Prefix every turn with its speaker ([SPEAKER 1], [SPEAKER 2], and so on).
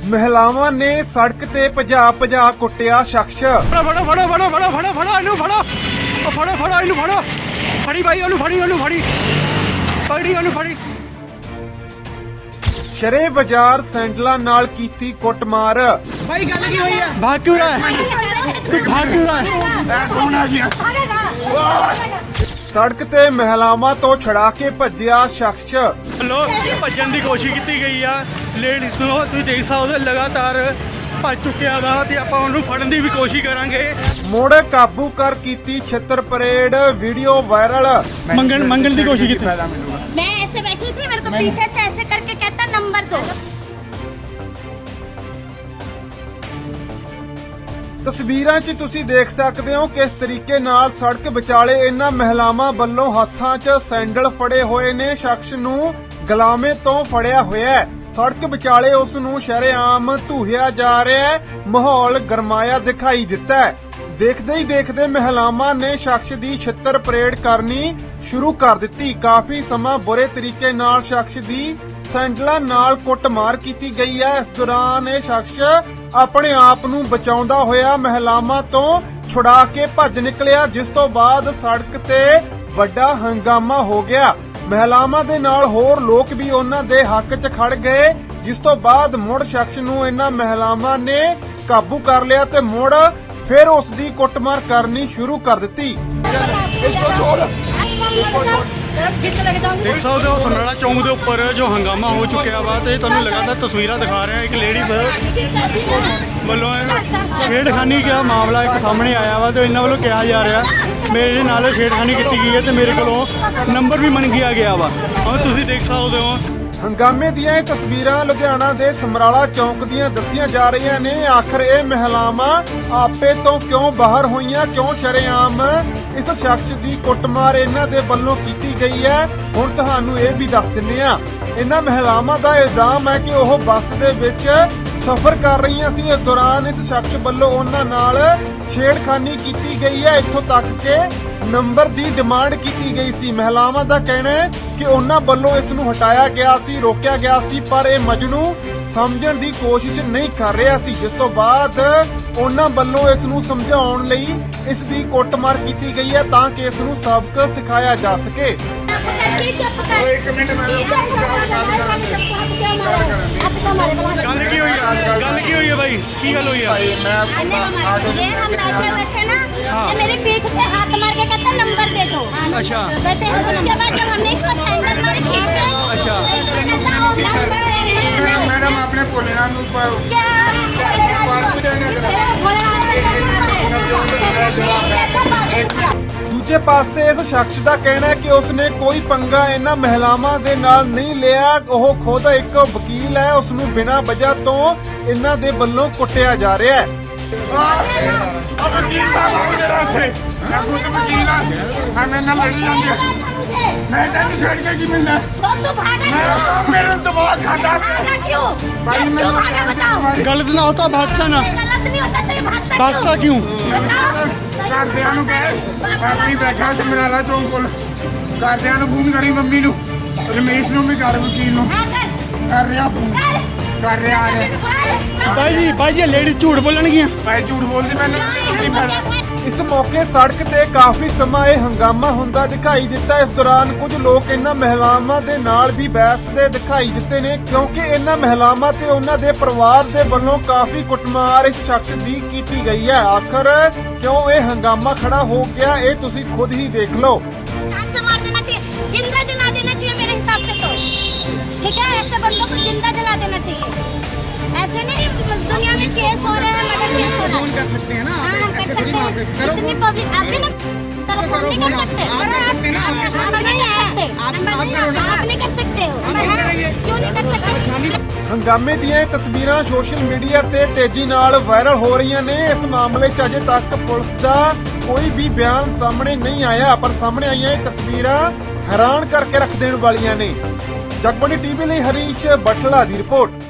[SPEAKER 1] महिलावां ने सड़क ते भजा भजा कुटिया शख्स।
[SPEAKER 2] फड़ो फड़ो फड़ो फड़ो फड़ो फड़ो फड़ो इनू फड़ो फड़ो फड़ो इनू फड़ो फड़ी भाई ओनू फड़ी पकड़ी ओनू फड़ी।
[SPEAKER 1] शरे बाजार सैंडला नाल कीती कुटमार।
[SPEAKER 2] भाई गल की हुई है? भाग क्यों रहा है? तू भाग क्यों रहा है? कौन आ गया?
[SPEAKER 1] सड़क ते महिलावां तो छड़ा के भज्जिया शख्स।
[SPEAKER 2] लो भजन की कोशिश की गई है लेडीज नो तुम देख सकते लगातार भज चुकिया वा ते आपां उहनूं फड़न की भी कोशिश करांगे।
[SPEAKER 1] मुड़ काबू कर कीती छित्तर परेड वीडियो वायरल।
[SPEAKER 2] मंगन की कोशिश की।
[SPEAKER 3] मैं ऐसे बैठी थी, मेरे को पीछे से ऐसे करके कहता नंबर दो।
[SPEAKER 1] तस्वीरां 'ਚ ਤੁਸੀਂ ਦੇਖ ਸਕਦੇ ਹੋ ਕਿਸ ਤਰੀਕੇ ਨਾਲ ਸੜਕ ਵਿਚਾਲੇ ਇਹਨਾਂ ਮਹਿਲਾਵਾਂ ਵੱਲੋਂ ਹੱਥਾਂ 'ਚ ਸੈਂਡਲ ਫੜੇ ਹੋਏ ਨੇ। ਸ਼ਖਸ ਨੂੰ ਗਲਾਮੇ ਤੋਂ ਫੜਿਆ ਹੋਇਆ ਹੈ। ਸੜਕ ਵਿਚਾਲੇ ਉਸ ਨੂੰ ਸ਼ਰੇਆਮ ਧੂਹਿਆ ਜਾ ਰਿਹਾ ਹੈ। ਮਾਹੌਲ ਗਰਮਾਇਆ ਦਿਖਾਈ ਦਿੱਤਾ ਹੈ। ਦੇਖਦੇ ਹੀ ਦੇਖਦੇ ਮਹਿਲਾਵਾਂ ਨੇ ਸ਼ਖਸ ਦੀ ਛਿੱਤਰ ਪਰੇਡ ਕਰਨੀ ਸ਼ੁਰੂ ਕਰ ਦਿੱਤੀ। ਕਾਫੀ ਸਮਾਂ ਬੁਰੇ ਤਰੀਕੇ ਨਾਲ ਸ਼ਖਸ ਦੀ ਸੈਂਡਲਾਂ ਨਾਲ ਕੁੱਟਮਾਰ ਕੀਤੀ ਗਈ ਹੈ। ਇਸ ਦੌਰਾਨ ਇਹ ਸ਼ਖਸ ਆਪਣੇ ਆਪ ਨੂੰ ਬਚਾਉਂਦਾ ਹੋਇਆ ਮਹਿਲਾਵਾਂ ਤੋਂ ਛੁਡਾ ਕੇ ਭੱਜ ਨਿਕਲਿਆ, ਜਿਸ ਤੋਂ ਬਾਅਦ ਸੜਕ ਤੇ ਵੱਡਾ ਹੰਗਾਮਾ ਹੋ ਗਿਆ। ਮਹਿਲਾਵਾਂ ਦੇ ਨਾਲ ਹੋਰ ਲੋਕ ਵੀ ਉਹਨਾਂ ਦੇ ਹੱਕ 'ਚ ਖੜ ਗਏ, ਜਿਸ ਤੋਂ ਬਾਅਦ ਮੁੜ ਸ਼ਖਸ ਨੂੰ ਇਹਨਾਂ ਮਹਿਲਾਵਾਂ ਨੇ ਕਾਬੂ ਕਰ ਲਿਆ ਤੇ ਮੁੜ ਫਿਰ ਉਸ ਦੀ ਕੁੱਟਮਾਰ ਕਰਨੀ ਸ਼ੁਰੂ ਕਰ ਦਿੱਤੀ।
[SPEAKER 2] देख सकते हो समराला चौक के उपर जो हंगामा हो चुका वा तो तुहानूं लगातार तस्वीर दिखा रहे हैं। एक लेडी वालों छेड़खानी का मामला एक सामने आया वा तो इन्होंने वालों कहा जा रहा मेरे नाल छेड़खानी की गई है तो मेरे को नंबर भी मंगिया गया वा। और तुसीं देख सकते हो
[SPEAKER 1] ਹੰਗਾਮੇ ਦੀਆਂ ਇਹ ਤਸਵੀਰਾਂ ਲੁਧਿਆਣਾ ਦੇ ਸਮਰਾਲਾ ਚੌਂਕ ਦੀਆਂ ਦੱਸੀਆਂ ਜਾ ਰਹੀਆਂ ਨੇ। ਆਖਰ ਇਹ ਮਹਿਲਾਵਾਂ ਆਪੇ ਤੋਂ ਕਿਉਂ ਬਾਹਰ ਹੋਈਆਂ, ਕਿਉਂ ਸ਼ਰੇਆਮ ਇਸ ਸ਼ਖਸ ਦੀ ਕੁੱਟਮਾਰ ਇਹਨਾਂ ਦੇ ਵੱਲੋਂ ਕੀਤੀ ਗਈ ਹੈ, ਹੁਣ ਤੁਹਾਨੂੰ ਇਹ ਵੀ ਦੱਸ ਦਿੰਨੇ ਆ। ਇਹਨਾਂ ਮਹਿਲਾਵਾਂ ਦਾ ਇਲਜ਼ਾਮ ਹੈ ਕਿ ਉਹ ਬੱਸ ਦੇ ਵਿੱਚ ਸਫ਼ਰ ਕਰ ਰਹੀਆਂ ਸੀ। ਇਸ ਦੌਰਾਨ ਇਸ ਸ਼ਖਸ ਵੱਲੋਂ ਉਹਨਾਂ ਨਾਲ ਛੇੜਖਾਨੀ ਕੀਤੀ ਗਈ ਹੈ, ਇੱਥੋਂ ਤੱਕ ਕਿ ਨੰਬਰ ਦੀ ਡਿਮਾਂਡ ਕੀਤੀ ਗਈ ਸੀ। ਮਹਿਲਾਵਾਂ ਦਾ ਕਹਿਣਾ ਹੈ ਕਿ ਉਹਨਾਂ ਵੱਲੋਂ ਇਸ ਨੂੰ ਹਟਾਇਆ ਗਿਆ ਸੀ, ਰੋਕਿਆ ਗਿਆ ਸੀ, ਪਰ ਇਹ ਮਜਨੂ ਸਮਝਣ ਦੀ ਕੋਸ਼ਿਸ਼ ਨਹੀਂ ਕਰ ਰਿਹਾ ਸੀ, ਜਿਸ ਤੋਂ ਬਾਅਦ ਉਹਨਾਂ ਵੱਲੋਂ ਇਸ ਨੂੰ ਸਮਝਾਉਣ ਲਈ ਇਸ ਦੀ ਕੁੱਟਮਾਰ ਕੀਤੀ ਗਈ ਹੈ ਤਾਂ ਕਿ ਇਸ ਨੂੰ ਸਬਕ ਸਿਖਾਇਆ ਜਾ ਸਕੇ।
[SPEAKER 3] एक मिनट
[SPEAKER 2] गल की हुई है भाई की गल हुई है?
[SPEAKER 3] हम बैठे हुए थे ना, ये मेरी पीठ पे हाथ मार के कहता नंबर दे दो।
[SPEAKER 2] अच्छा।
[SPEAKER 3] कहते हैं उसके बाद जब हमने इसको सैंडल मारे खींचे,
[SPEAKER 2] अच्छा।
[SPEAKER 4] मैडम आपने भोलेनाथ
[SPEAKER 1] ਦੂਜੇ ਪਾਸੇ ਇਸ ਸ਼ਖਸ ਦਾ ਕਹਿਣਾ ਹੈ ਕਿ ਉਸਨੇ ਕੋਈ ਪੰਗਾ ਇਹਨਾਂ ਮਹਿਲਾਵਾਂ ਦੇ ਨਾਲ ਨਹੀਂ ਲਿਆ। ਉਹ ਖੁਦ ਇੱਕ ਵਕੀਲ ਹੈ, ਉਸ ਨੂੰ ਬਿਨਾਂ ਵਜ੍ਹਾ ਤੋਂ ਇਹਨਾਂ ਦੇ ਵੱਲੋਂ ਕੁੱਟਿਆ ਜਾ ਰਿਹਾ ਹੈ।
[SPEAKER 4] मैं तेन छेड़ के की मिलना मेरे दिमाग खाता भाई मैं
[SPEAKER 2] गलत ना होता भागता ना भागता क्यों?
[SPEAKER 4] घरदियां नूं कहे अपनी बैठा समराला चौक कोल घरदियां नूं फोन करी मम्मी नूं रमेश नूं भी कर वकील नूं कर रहा फोन कर रहा आ रहा
[SPEAKER 2] भाई जी लेडीज झूठ बोलणगियां।
[SPEAKER 4] भाई झूठ बोलदी मैंने
[SPEAKER 1] ਇਸ ਮੌਕੇ ਸੜਕ ਤੇ ਕਾਫੀ ਸਮਾਂ ਇਹ ਹੰਗਾਮਾ ਹੁੰਦਾ ਦਿਖਾਈ ਦਿੱਤਾ। ਇਸ ਦੌਰਾਨ ਕੁਝ ਲੋਕ ਇਹਨਾਂ ਮਹਿਲਾਵਾਂ ਦੇ ਨਾਲ ਵੀ ਬਹਿਸਦੇ ਦਿਖਾਈ ਦਿੱਤੇ ਨੇ, ਕਿਉਂਕਿ ਇਹਨਾਂ ਮਹਿਲਾਵਾਂ ਤੇ ਉਹਨਾਂ ਦੇ ਪਰਿਵਾਰ ਦੇ ਵੱਲੋਂ ਕਾਫੀ ਕੁੱਟਮਾਰ ਇਸ ਸ਼ਖਸ ਦੀ ਕੀਤੀ ਗਈ ਹੈ। ਆਖਰ ਕਿਉਂ ਇਹ ਹੰਗਾਮਾ ਖੜਾ ਹੋ ਗਿਆ, ਇਹ ਤੁਸੀਂ ਖੁਦ ਹੀ ਦੇਖ ਲਓ।
[SPEAKER 3] जिंदा जला देना चाहिए मेरे हिसाब से तो, ठीक है? ऐसे बंदों को जिंदा जला देना चाहिए। ऐसे नहीं दुनिया में केस हो रहे हैं, मर्डर केस हो रहा है।
[SPEAKER 2] कर सकते हैं ना?
[SPEAKER 3] हाँ हम कर सकते हैं। इतनी पब्लिक आप भी ना तरफ हम नहीं कर सकते, आप नहीं कर सकते हो, क्यों नहीं कर सकते?
[SPEAKER 1] ਹੰਗਾਮੇ ਦੀਆਂ ਇਹ ਤਸਵੀਰਾਂ ਸੋਸ਼ਲ ਮੀਡੀਆ ਤੇ ਤੇਜ਼ੀ ਨਾਲ ਵਾਇਰਲ ਹੋ ਰਹੀਆਂ ਨੇ। ਇਸ ਮਾਮਲੇ 'ਚ ਅਜੇ ਤੱਕ ਪੁਲਿਸ ਦਾ ਕੋਈ ਵੀ ਬਿਆਨ ਸਾਹਮਣੇ ਨਹੀਂ ਆਇਆ, ਪਰ ਸਾਹਮਣੇ ਆਈਆਂ ਇਹ ਤਸਵੀਰਾਂ ਹੈਰਾਨ ਕਰਕੇ ਰੱਖ ਦੇਣ ਵਾਲੀਆਂ ਨੇ। ਜਗਬਾਣੀ ਟੀਵੀ ਲਈ ਹਰੀਸ਼ ਬਠਲਾ ਦੀ ਰਿਪੋਰਟ।